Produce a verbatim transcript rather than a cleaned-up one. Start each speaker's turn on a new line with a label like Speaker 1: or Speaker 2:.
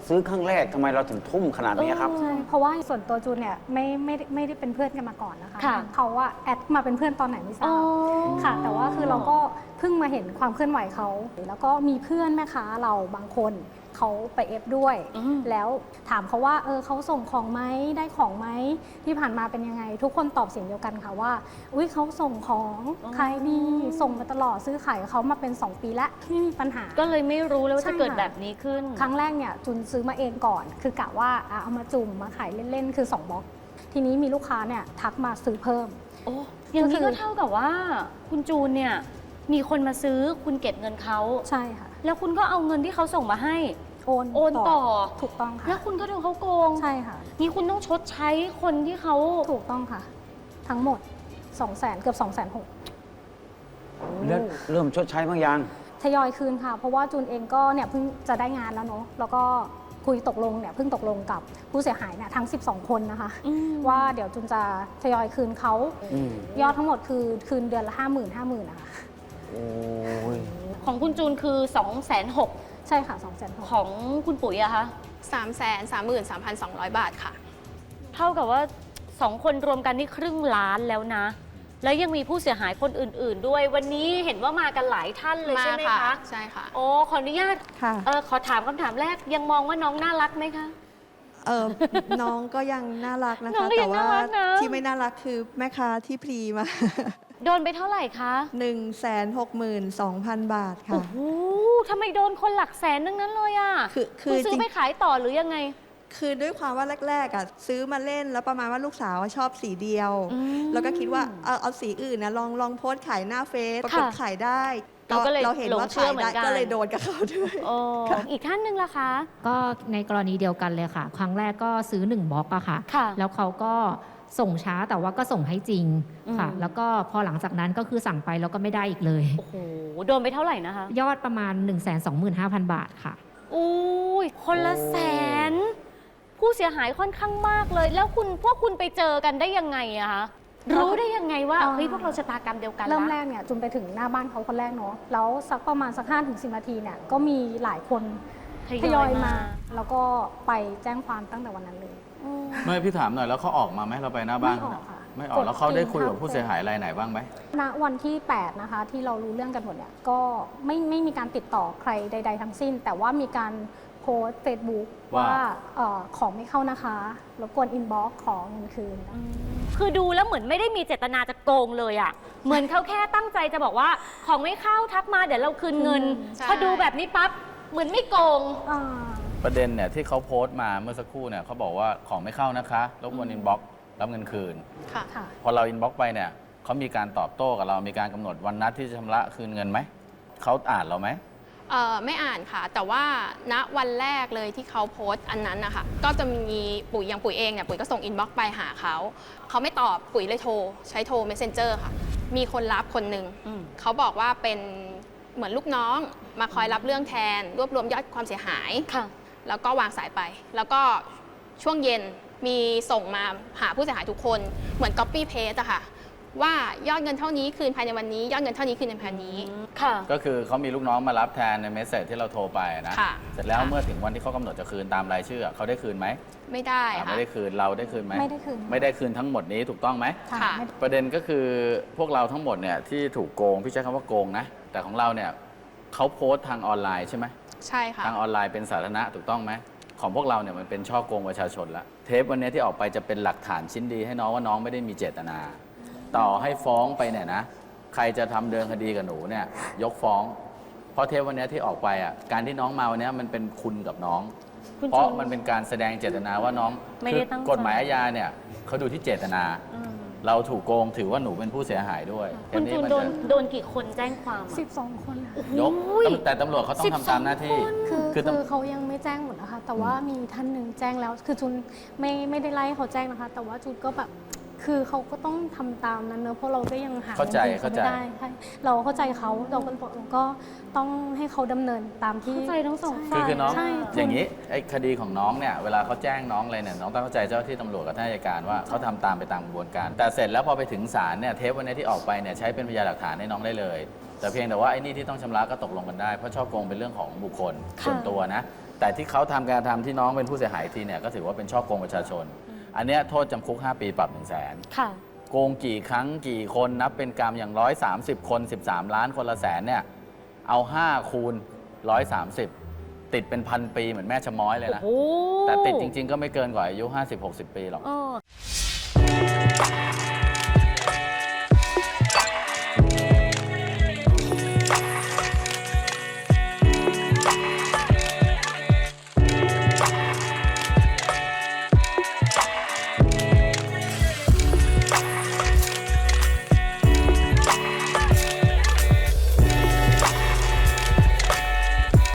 Speaker 1: ซื้อครั้งแรกทำไมเราถึงทุ่มขนาดนี้ครับ
Speaker 2: ใช่เพราะว่าส่วนตัวจูนเนี่ยไม่ไม่ได้ไม่ได้เป็นเพื่อนกันมาก่อนนะคะ
Speaker 3: ค่ะ
Speaker 2: เขาว่าแอดมาเป็นเพื่อนตอนไหนไม่ทรา
Speaker 3: อ๋อบ
Speaker 2: ค่ะ แต่ว่าคือเราก็เพิ่งมาเห็นความเคลื่อนไหวเขาแล้วก็มีเพื่อนแม่ค้าเราบางคนเขาไปเอฟด้วย
Speaker 3: อืม
Speaker 2: แล้วถามเขาว่าเออเขาส่งของไหมได้ของไหมที่ผ่านมาเป็นยังไง ทุกคนตอบเสียงเดียวกันค่ะว่าอุ้ยเขาส่งของขายดีส่งมาตลอดซื้อขายกับเขามาเป็นสองปีแล้วไม่มีปัญหา
Speaker 3: ก็เลยไม่รู้เลยว่า
Speaker 2: ใช่
Speaker 3: จะเกิด
Speaker 2: ค่ะ
Speaker 3: แบบนี้ขึ้น
Speaker 2: ครั้งแรกเนี่ยจุนซื้อมาเองก่อน คือกะว่าอ่ะเอามาจุ่มมาขายเล่นๆคือสองบล็อก ทีนี้มีลูกค้าเนี่ยทักมาซื้อเพิ่ม
Speaker 3: โอ้อย่างนี้
Speaker 2: ก็คื
Speaker 3: ก็
Speaker 2: อ
Speaker 3: เท่ากับว่า คุณจูนเนี่ยมีคนมาซื้อคุณเก็บเงินเขา
Speaker 2: ใช่ค่ะ
Speaker 3: แล้วคุณก็เอาเงินที่เขาส่งมาให้
Speaker 2: โอน
Speaker 3: โอนต่อ
Speaker 2: ถูกต้องค่ะ
Speaker 3: แล้วคุณก็โดนเขาโกง
Speaker 2: ใช่ค่ะ
Speaker 3: นี่คุณต้องชดใช้คนที่เขา
Speaker 2: ถูกต้องค่ะ ทั้งหมดสองแสนเกือบสองแสนหก
Speaker 1: แล้วเริ่มชดใช้บางอย่าง
Speaker 2: ทยอยคืนค่ะ เพราะว่าจูนเองก็เนี่ยเพิ่งจะได้งานแล้วเนาะแล้วก็คุยตกลงเนี่ยเพิ่งตกลงกับผู้เสียหายเนี่ยทั้งสิบสองคนนะคะ
Speaker 3: อืม
Speaker 2: ว่าเดี๋ยวจูนจะทยอยคืนเขา
Speaker 1: อืม
Speaker 2: ยอดทั้งหมดคือคืนเดือนละห้าหมื่นห้าหมื่นนะคะ
Speaker 1: โอ้ย
Speaker 3: ของคุณจูนคือ สองแสนหก
Speaker 2: ใช่ค่ะสองแสนหก
Speaker 3: ของคุณปุ๋ยอะคะ
Speaker 4: สามแสนสามหมื่นสามพันสองร้อยบาทค่ะ
Speaker 3: เท่ากับว่าสองคนรวมกันนี่ครึ่งล้านแล้วนะ แล้วยังมีผู้เสียหายคนอื่น ๆ ด้วย วันนี้เห็นว่ามากันหลายท่านเลย
Speaker 4: มา
Speaker 3: ใช่ไหม
Speaker 4: ค่ะ
Speaker 3: คะ
Speaker 4: ใช่ค่ะ
Speaker 3: โอ้ขออนุญาต
Speaker 5: ค่ะ
Speaker 3: เออขอถามคำถามแรกยังมองว่าน้องน่ารักไหมคะ
Speaker 5: เออ น้องก็ยังน่ารักนะ
Speaker 3: น้อง
Speaker 5: คะ
Speaker 3: ก็ยั
Speaker 5: แต่
Speaker 3: ง
Speaker 5: ว่า
Speaker 3: น่ารักนะ
Speaker 5: ที่ไม่น่ารักคือแม่ค้าที่พลีมา
Speaker 3: โดนไปเท่าไหร่คะ
Speaker 5: หนึ่งแสนหกหมื่นสองพันบาท
Speaker 3: โอ้
Speaker 5: ค่ะ
Speaker 3: โหทำไมโดนคนหลักแสนทั้งนั้นเลยอะ
Speaker 5: คือคื
Speaker 3: คุณ
Speaker 5: อ
Speaker 3: ซื้
Speaker 5: จ
Speaker 3: อ
Speaker 5: ริง
Speaker 3: ไปขายต่อหรือยังไง
Speaker 5: คือด้วยความว่าแรกๆอ่ะซื้อมาเล่นแล้วประมาณว่าลูกสาวชอบสีเดียว
Speaker 3: อืม
Speaker 5: แล้วก็คิดว่าเอาเอาสีอื่นนะลองลองโพสต์ขายหน้าเฟซปรากฏ
Speaker 3: ค่ะ
Speaker 5: ขายได้
Speaker 3: เราก็เลย
Speaker 5: เราเห็น
Speaker 3: หลง
Speaker 5: ว่า
Speaker 3: เชื่อ
Speaker 5: ขาย
Speaker 3: เหมือ
Speaker 5: ได้
Speaker 3: นกัน
Speaker 5: ก็เลยโดนกับเขาด้วย
Speaker 3: โอ้อีกท่านหนึ่งล่ะคะ
Speaker 6: ก็ในกรณีเดียวกันเลยค่ะ ครั้งแรกก็ซื้อหนึ่งบล็อกอะค่ะ
Speaker 3: ค่ะ
Speaker 6: แล้วเขาก็ส่งช้าแต่ว่าก็ส่งให้จริงค่ะ
Speaker 3: อืม
Speaker 6: แล้วก็พอหลังจากนั้นก็คือสั่งไปแล้วก็ไม่ได้อีกเลย
Speaker 3: โอ้โหโดนไปเท่าไหร่นะคะ
Speaker 6: ยอดประมาณ หนึ่งแสนสองหมื่นห้าพัน บาทค่ะ
Speaker 3: อุ้ยคนละแสน ผู้เสียหายค่อนข้างมากเลย แล้วคุณพวกคุณไปเจอกันได้ยังไงอะคะรู้ได้ยังไงว่า
Speaker 2: อ่า
Speaker 3: เฮ้ยพวกเราชะตากรรมเดียวกัน
Speaker 2: เริ่ม
Speaker 3: ละ
Speaker 2: แรกเนี่ยจุนไปถึงหน้าบ้านเขาคนแรกเนาะแล้วสักประมาณสักห้าถึงสิบนาทีเนี่ยก็มีหลายคนทยอยมา แล้วก็ไปแจ้งความตั้งแต่วันนั้นเลย
Speaker 3: อืม
Speaker 7: ไม่พี่ถามหน่อยแล้วเขาออกมาไหมเราไปหน้าบ้าน
Speaker 2: ไม่ออกค่ะ
Speaker 7: ไม่ออกแล้วเขาได้คุยกับผู้เสียหายรายไหนบ้างไหม
Speaker 2: ณวันที่แปดนะคะที่เรารู้เรื่องกันหมดเนี่ยก็ไม่ไม่มีการติดต่อใครใด ๆ ทั้งสิ้น แต่ว่ามีการโพสเฟซบุ๊ก
Speaker 7: ว่า
Speaker 2: ว่าเอ่อของไม่เข้านะคะรบกวนอินบ็อกซ์ขอเงินคืน
Speaker 3: คือดูแล้วเหมือนไม่ได้มีเจตนาจะโกงเลยอะเหมือนเขาแค่ตั้งใจจะบอกว่าของไม่เข้าทักมาเดี๋ยวเราคืนเงิน
Speaker 4: ใช่
Speaker 3: พอดูแบบนี้ปั๊บเหมือนไม่โกง
Speaker 2: อ่า
Speaker 7: ประเด็นเนี่ยที่เขาโพสต์มาเมื่อสักครู่เนี่ยเขาบอกว่าของไม่เข้านะคะรบกวนอินบ็อกซ์รับเงินคืน
Speaker 4: ค่ะ
Speaker 2: ค่ะ
Speaker 7: พอเราอินบ็อกซ์ไปเนี่ยเขามีการตอบโต้กับเรามีการกำหนดวันนัดที่จะชำระคืนเงินไหมเขาอ่านเราไหม
Speaker 4: เอ่อไม่อ่านค่ะ แต่ว่าณวันแรกเลยที่เขาโพสต์อันนั้นนะคะก็จะมีปุ๋ยอย่างปุ๋ยเองเนี่ยปุ๋ยก็ส่งอินบ็อกซ์ไปหาเขาเขาไม่ตอบปุ๋ยเลยโทรใช้โทร Messenger ค่ะ มีคนรับคนหนึ่ง
Speaker 3: อืม
Speaker 4: เขาบอกว่าเป็นเหมือนลูกน้องมาคอยรับเรื่องแทน รวบรวมยอดความเสียหาย
Speaker 3: ค่ะ
Speaker 4: แล้วก็วางสายไป แล้วก็ช่วงเย็นมีส่งมาหาผู้เสียหายทุกคนเหมือน copy paste อะค่ะว่ายอดเงินเท่านี้คืนภายในวันนี้ ยอดเงินเท่านี้คืนในภายในนี้
Speaker 3: ค่ะ
Speaker 7: ก็คือเขามีลูกน้องมารับแทนในเมสเซจที่เราโทรไปนะ
Speaker 4: ค่ะ
Speaker 7: เสร็จแล้ว
Speaker 4: ค่ะ
Speaker 7: เมื่อถึงวันที่เขากำหนดจะคืนตามรายชื่อเขาได้คืนไหม
Speaker 4: ไม่ได้
Speaker 7: อ่า
Speaker 4: ค่ะ
Speaker 7: ไม่ได้คืนเราได้คืนไหม
Speaker 2: ไม่ได้คืน
Speaker 7: ไม่ได้คืนทั้งหมดนี้ถูกต้องไหม
Speaker 2: ค่ะ
Speaker 4: ค่ะ
Speaker 2: ไม่
Speaker 7: ประเด็นก็คือพวกเราทั้งหมดเนี่ยที่ถูกโกงพี่ใช้คำว่าโกงนะแต่ของเราเนี่ยเขาโพสต์ทางออนไลน์ใช่ไหม
Speaker 4: ใช่ค่ะ
Speaker 7: ทางออนไลน์เป็นสาธารณะถูกต้องไหมของพวกเราเนี่ยมันเป็นช่อโกงประชาชนละเทปวันนี้ที่ออกไปจะเป็นหลักฐานชิ้นดีให้น้องว่าน้องไม่ได้มีเจตนา ต่อให้ฟ้องไปเนี่ยนะใครจะทำเดินคดีกับหนูเนี่ยยกฟ้อง เพราะเทปวันนี้ที่ออกไปอ่ะการที่น้องมาวันนี้มันเป็นคุณกับน้อง
Speaker 3: คุณ
Speaker 7: เพราะ
Speaker 3: จูน
Speaker 7: มันเป็นการแสดงเจตนาว่าน้อง
Speaker 3: ไม่
Speaker 7: คื
Speaker 3: ได้ตั้งใจ
Speaker 7: กฎหมายอาญาเนี่ยเขาดูที่เจตนา
Speaker 3: อืม
Speaker 7: เราถูกโกงถือว่าหนูเป็นผู้เสียหายด้วย
Speaker 3: คุณ
Speaker 7: เท
Speaker 3: จู
Speaker 7: ป
Speaker 3: น
Speaker 7: มั
Speaker 3: โดน
Speaker 7: จะ
Speaker 3: โดนกี่คนแจ้งความอะ
Speaker 2: สิบสองคนค่ะ
Speaker 7: ยก
Speaker 3: อุ้ย
Speaker 7: แต่ตำรวจเขาต้องทำตามหน้าที่
Speaker 2: คือ
Speaker 7: คือ
Speaker 2: คือ
Speaker 7: ตำ
Speaker 2: เขายังไม่แจ้งหมดนะคะ แต่ว่ามีท่านหนึ่งแจ้งแล้ว คือจุนไม่ไม่ได้ไล่ให้เขาแจ้งนะคะ แต่ว่าจุนก็แบบคือเขาก็ต้องทำตามนั้นเนอะเพราะเราก็ยังหา
Speaker 7: เข้าใจ
Speaker 2: งินคืน
Speaker 7: เข้าใจ
Speaker 2: ไม่ได้ใช่เราเข้าใจเขาเราก็บอกเราก็ต้องให้เขาดำเนินตามที่
Speaker 3: เข้าใจทั้งสอง
Speaker 2: ใช่
Speaker 7: คือคือน้อง
Speaker 2: ใช่
Speaker 7: อย่างนี้ไอ้คดีของน้องเนี่ยเวลาเขาแจ้งน้องอะไรเนี่ยน้องต้องเข้าใจเจ้าหน้าที่ตำรวจกับท่านอัยการว่าเขาทำตามไปตามกระบวนการ แต่เสร็จแล้วพอไปถึงศาลเนี่ยเทปวันนี้ที่ออกไปเนี่ยใช้เป็นพยานหลักฐานให้น้องได้เลย แต่เพียงแต่ว่าไอ้นี่ที่ต้องชำระก็ตกลงกันได้เพราะช่อโกงเป็นเรื่องของบุคคลส่วนตัวนะแต่ที่เขาทำการกระทำที่น้องเป็นผู้เสียหายทีเนี่ยก็ถือว่าเป็นช่อโกงประชาชน อันเนี้ยโทษจำคุก ห้า ปีปรับ หนึ่งแสน
Speaker 3: ค่ะ
Speaker 7: โกงกี่ครั้งกี่คนนับเป็นกรรมอย่าง หนึ่งร้อยสามสิบ คน สิบสาม ล้านคนละแสนเนี่ยเอา ห้า คูณ หนึ่งร้อยสามสิบ ติดเป็นพันปีเหมือนแม่ชะม้อยเลยนะ
Speaker 3: โอ้โห
Speaker 7: แต่ติดจริง ๆ ก็ไม่เกินกว่าอายุ ห้าสิบหกสิบ ปีหรอก
Speaker 3: เออ